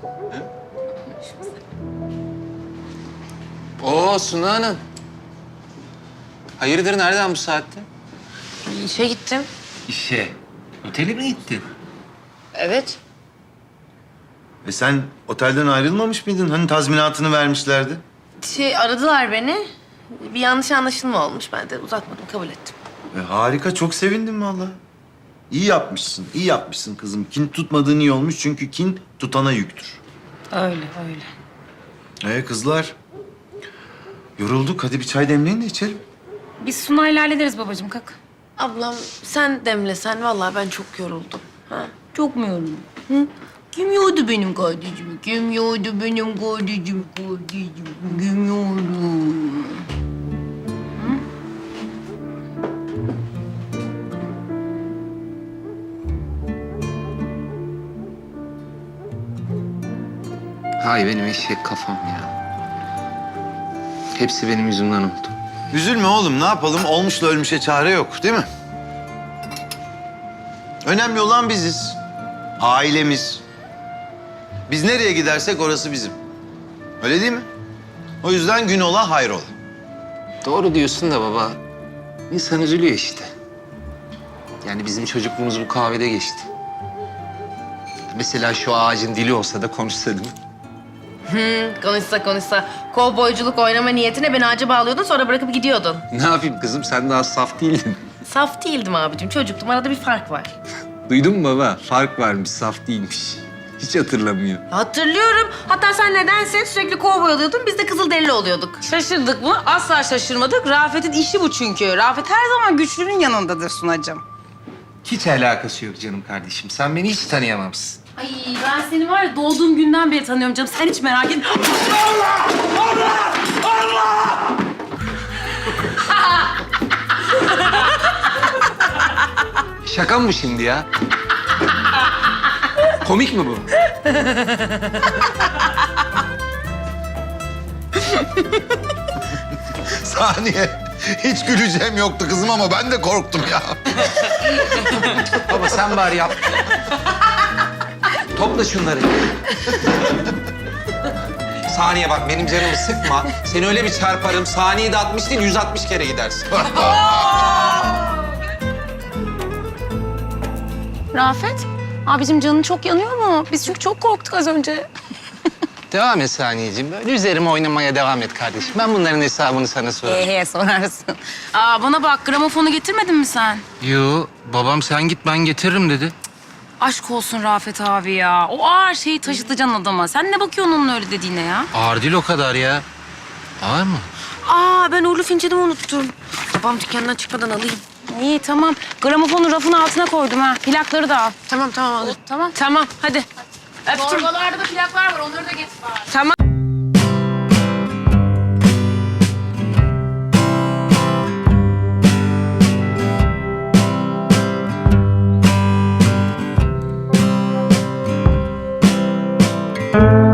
Oo Suna Hanım. Hayırdır nereden bu saatte? İşe gittim. İşe. Otele mi gittin? Evet. Sen otelden ayrılmamış mıydın? Hani tazminatını vermişlerdi. Aradılar beni. Bir yanlış anlaşılma olmuş. Ben de uzatmadım, kabul ettim. Harika, çok sevindim vallahi. İyi yapmışsın, iyi yapmışsın kızım. Kin tutmadığın iyi olmuş çünkü kin tutana yüktür. Öyle. Kızlar, yorulduk. Hadi bir çay demleyin de içelim. Biz Sunay'la hallederiz babacığım, kalk. Ablam sen demlesen vallahi ben çok yoruldum. Ha? Çok mu yoruldun? Hı? Kim yordu benim kardeşimi? Kim yordu benim kardeşimi? Kim yordu? Hay benim eşek kafam ya. Hepsi benim yüzümden oldu. Üzülme oğlum, ne yapalım? Olmuşla ölmüşe çare yok, değil mi? Önemli olan biziz. Ailemiz. Biz nereye gidersek orası bizim. Öyle değil mi? O yüzden gün ola hayrola. Doğru diyorsun da baba. İnsan üzülüyor işte. Yani bizim çocukluğumuz bu kahvede geçti. Mesela şu ağacın dili olsa da konuşsa değil mi? Konuşsa. Kovboyculuk oynama niyetine beni ağaca bağlıyordun, sonra bırakıp gidiyordun. Ne yapayım kızım, sen daha saf değildin. Saf değildim abicim, çocuktum. Arada bir fark var. Duydun mu baba? Fark varmış, saf değilmiş. Hiç hatırlamıyor. Hatırlıyorum. Hatta sen nedense sürekli kovboy oluyordun, biz de kızılderili oluyorduk. Şaşırdık mı? Asla şaşırmadık. Rafet'in işi bu çünkü. Rafet her zaman güçlünün yanındadır Sunacığım. Hiç alakası yok canım kardeşim. Sen beni hiç tanıyamamışsın. Ay ben seni var ya doğduğum günden beri tanıyorum canım. Sen hiç merak etme. Şaka mı bu şimdi ya? Komik mi bu? Saniye. Hiç güleceğim yoktu kızım ama ben de korktum ya. Baba sen bari yap. Topla şunları. Saniye bak benim canımı sıkma. Seni öyle bir çarparım. Saniyede 60 değil 160 kere gidersin. Rafet, abicim canın çok yanıyor mu? Biz çünkü çok korktuk az önce. Devam et Saniyeciğim. Böyle üzerime oynamaya devam et kardeşim. Ben bunların hesabını sana sorarım. Sorarsın. Bana bak gramofonu getirmedin mi sen? Yo babam sen git ben getiririm dedi. Aşk olsun Rafet abi ya. O ağır şeyi taşıtacaksın adama. Sen ne bakıyorsun onun öyle dediğine ya? Ağır değil o kadar ya. Ağır mı? Ben uğurlu fincanımı unuttum. Babam dükkandan çıkmadan alayım. İyi tamam. Gramofonu rafın altına koydum ha. Plakları da al. Tamam alırım. Tamam. Tamam hadi. Öptüm. Torbalarda da plaklar var. Onları da getir bari. Tamam. Thank you.